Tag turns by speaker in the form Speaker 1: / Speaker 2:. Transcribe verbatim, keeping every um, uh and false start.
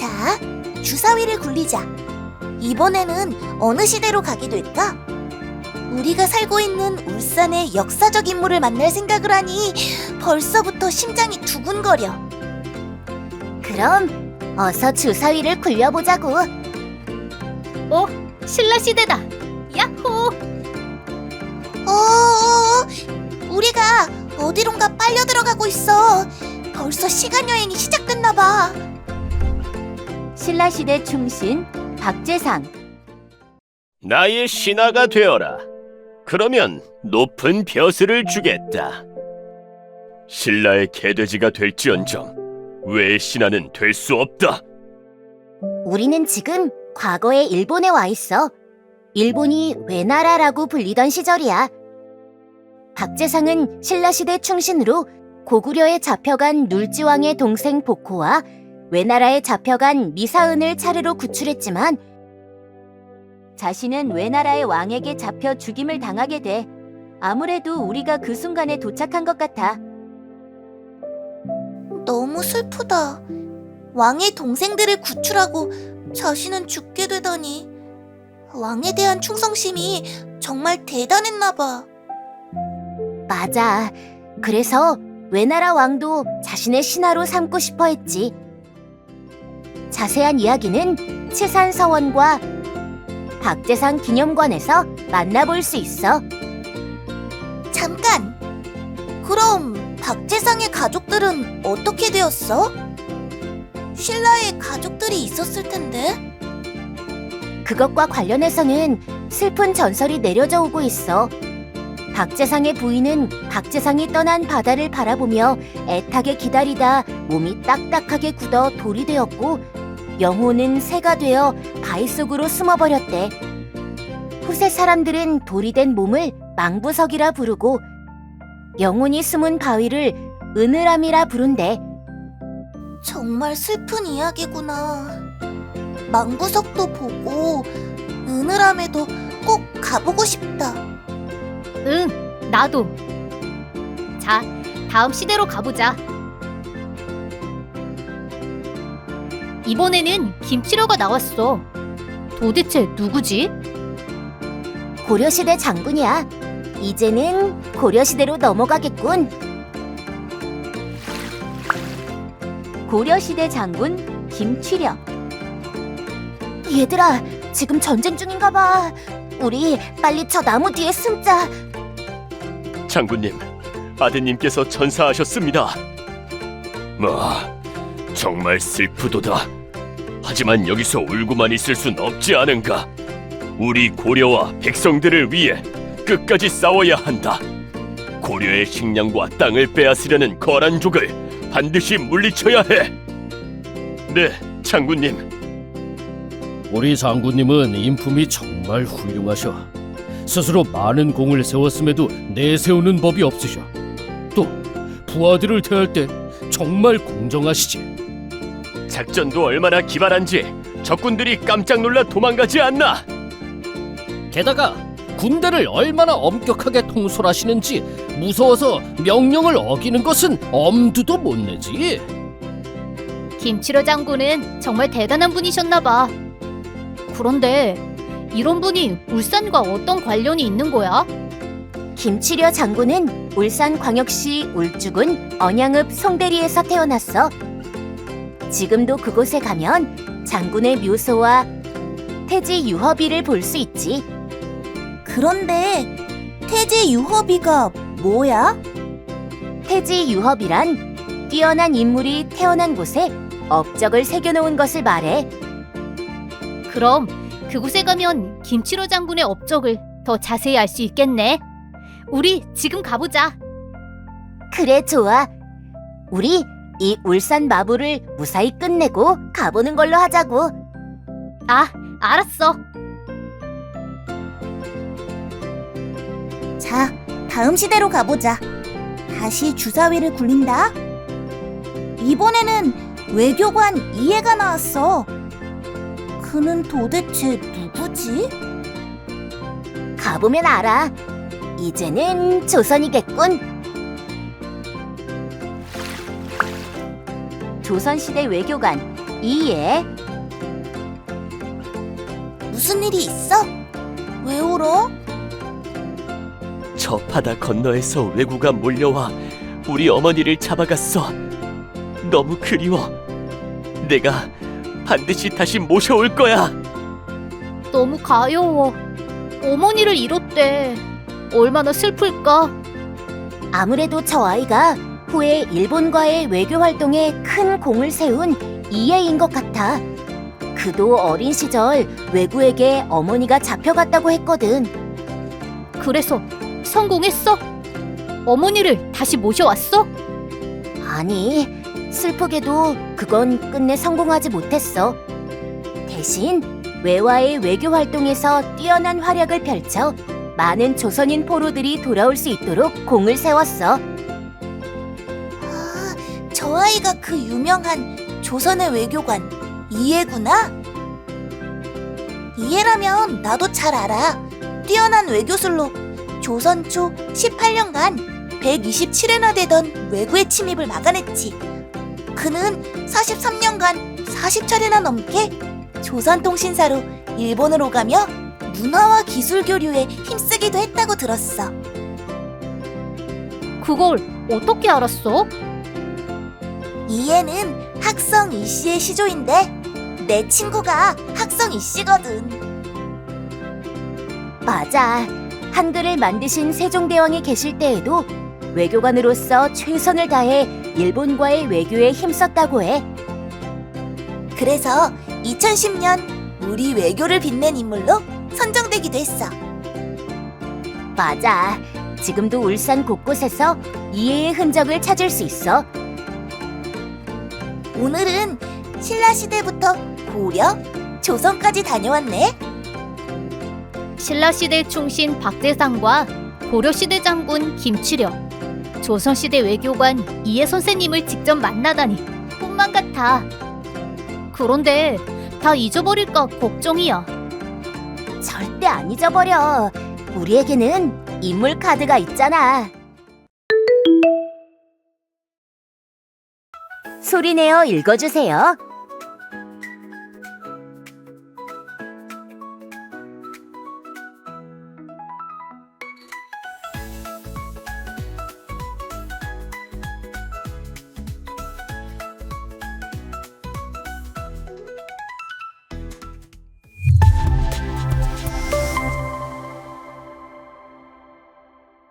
Speaker 1: 자, 주사위를 굴리자. 이번에는 어느 시대로 가게 될까? 우리가 살고 있는 울산의 역사적 인물을 만날 생각을 하니 벌써부터 심장이 두근거려. 그럼 어서 주사위를 굴려보자고.
Speaker 2: 어? 신라시대다! 야호!
Speaker 1: 어, 우리가 어디론가 빨려 들어가고 있어. 벌써 시간여행이 시작됐나봐.
Speaker 3: 신라시대 충신 박재상.
Speaker 4: 나의 신하가 되어라. 그러면 높은 벼슬을 주겠다. 신라의 개돼지가 될지언정 왜 신하는 될 수 없다.
Speaker 3: 우리는 지금 과거의 일본에 와 있어. 일본이 외나라라고 불리던 시절이야. 박재상은 신라시대 충신으로 고구려에 잡혀간 눌지왕의 동생 복호와 외나라에 잡혀간 미사은을 차례로 구출했지만 자신은 외나라의 왕에게 잡혀 죽임을 당하게 돼. 아무래도 우리가 그 순간에 도착한 것 같아.
Speaker 1: 너무 슬프다. 왕의 동생들을 구출하고 자신은 죽게 되다니. 왕에 대한 충성심이 정말 대단했나봐.
Speaker 3: 맞아. 그래서 외나라 왕도 자신의 신하로 삼고 싶어 했지. 자세한 이야기는 치산서원과 박재상 기념관에서 만나볼 수 있어.
Speaker 1: 잠깐! 그럼 박재상의 가족들은 어떻게 되었어? 신라에 가족들이 있었을 텐데?
Speaker 3: 그것과 관련해서는 슬픈 전설이 내려져 오고 있어. 박재상의 부인은 박재상이 떠난 바다를 바라보며 애타게 기다리다 몸이 딱딱하게 굳어 돌이 되었고, 영혼은 새가 되어 바위 속으로 숨어버렸대. 후세 사람들은 돌이 된 몸을 망부석이라 부르고 영혼이 숨은 바위를 은으람이라 부른대.
Speaker 1: 정말 슬픈 이야기구나. 망부석도 보고 은으람에도 꼭 가보고 싶다.
Speaker 2: 응, 나도. 자, 다음 시대로 가보자. 이번에는 김치려가 나왔어. 도대체 누구지?
Speaker 3: 고려시대 장군이야. 이제는 고려시대로 넘어가겠군. 고려시대 장군 김취력. 얘들아, 지금 전쟁 중인가 봐. 우리 빨리 저 나무 뒤에 숨자.
Speaker 4: 장군님, 아드님께서 전사하셨습니다. 뭐, 정말 슬프도다. 하지만 여기서 울고만 있을 순 없지 않은가. 우리 고려와 백성들을 위해 끝까지 싸워야 한다. 고려의 식량과 땅을 빼앗으려는 거란족을 반드시 물리쳐야 해. 네, 장군님.
Speaker 5: 우리 장군님은 인품이 정말 훌륭하셔. 스스로 많은 공을 세웠음에도 내세우는 법이 없으셔. 또 부하들을 대할 때 정말 공정하시지.
Speaker 4: 작전도 얼마나 기발한지 적군들이 깜짝 놀라 도망가지 않나.
Speaker 5: 게다가 군대를 얼마나 엄격하게 통솔하시는지 무서워서 명령을 어기는 것은 엄두도 못 내지.
Speaker 2: 김치려 장군은 정말 대단한 분이셨나봐. 그런데 이런 분이 울산과 어떤 관련이 있는 거야?
Speaker 3: 김취려 장군은 울산광역시 울주군 언양읍 송대리에서 태어났어. 지금도 그곳에 가면 장군의 묘소와 태지 유허비를 볼 수 있지.
Speaker 1: 그런데 태지 유허비가 뭐야?
Speaker 3: 태지 유허비란 뛰어난 인물이 태어난 곳에 업적을 새겨놓은 것을 말해.
Speaker 2: 그럼 그곳에 가면 김치로 장군의 업적을 더 자세히 알 수 있겠네. 우리 지금 가보자.
Speaker 3: 그래, 좋아. 우리 이 울산 마부를 무사히 끝내고 가보는 걸로 하자고.
Speaker 2: 아, 알았어.
Speaker 1: 자, 다음 시대로 가보자. 다시 주사위를 굴린다. 이번에는 외교관 이해가 나왔어. 그는 도대체 누구지?
Speaker 3: 가보면 알아. 이제는 조선이겠군. 조선시대 외교관 이예.
Speaker 1: 무슨 일이 있어? 왜 울어?
Speaker 4: 저 바다 건너에서 왜구가 몰려와 우리 어머니를 잡아갔어. 너무 그리워. 내가 반드시 다시 모셔올 거야.
Speaker 2: 너무 가여워. 어머니를 잃었대. 얼마나 슬플까?
Speaker 3: 아무래도 저 아이가 후에 일본과의 외교 활동에 큰 공을 세운 이해인 것 같아. 그도 어린 시절 외구에게 어머니가 잡혀갔다고 했거든.
Speaker 2: 그래서 성공했어? 어머니를 다시 모셔왔어?
Speaker 3: 아니, 슬프게도 그건 끝내 성공하지 못했어. 대신 외와의 외교 활동에서 뛰어난 활약을 펼쳐 많은 조선인 포로들이 돌아올 수 있도록 공을 세웠어.
Speaker 1: 아, 저 아이가 그 유명한 조선의 외교관 이해구나? 이해라면 나도 잘 알아. 뛰어난 외교술로 조선 초 십팔 년간 백이십칠 회나 되던 외구의 침입을 막아냈지. 그는 사십삼 년간 사십 차례나 넘게 조선통신사로 일본을 오가며 문화와 기술 교류에 힘쓰기도 했다고 들었어.
Speaker 2: 그걸 어떻게 알았어?
Speaker 1: 이해는 학성 이씨의 시조인데 내 친구가 학성 이씨거든.
Speaker 3: 맞아. 한글을 만드신 세종대왕이 계실 때에도 외교관으로서 최선을 다해 일본과의 외교에 힘썼다고 해.
Speaker 1: 그래서 이천십 년 우리 외교를 빛낸 인물로 선정되기도 했어.
Speaker 3: 맞아. 지금도 울산 곳곳에서 이해의 흔적을 찾을 수 있어.
Speaker 1: 오늘은 신라시대부터 고려, 조선까지 다녀왔네.
Speaker 2: 신라시대 충신 박재상과 고려시대 장군 김치려, 조선시대 외교관 이해 선생님을 직접 만나다니 꿈만 같아. 그런데 다 잊어버릴까 걱정이야.
Speaker 3: 절대 안 잊어버려. 우리에게는 인물 카드가 있잖아. 소리내어 읽어주세요.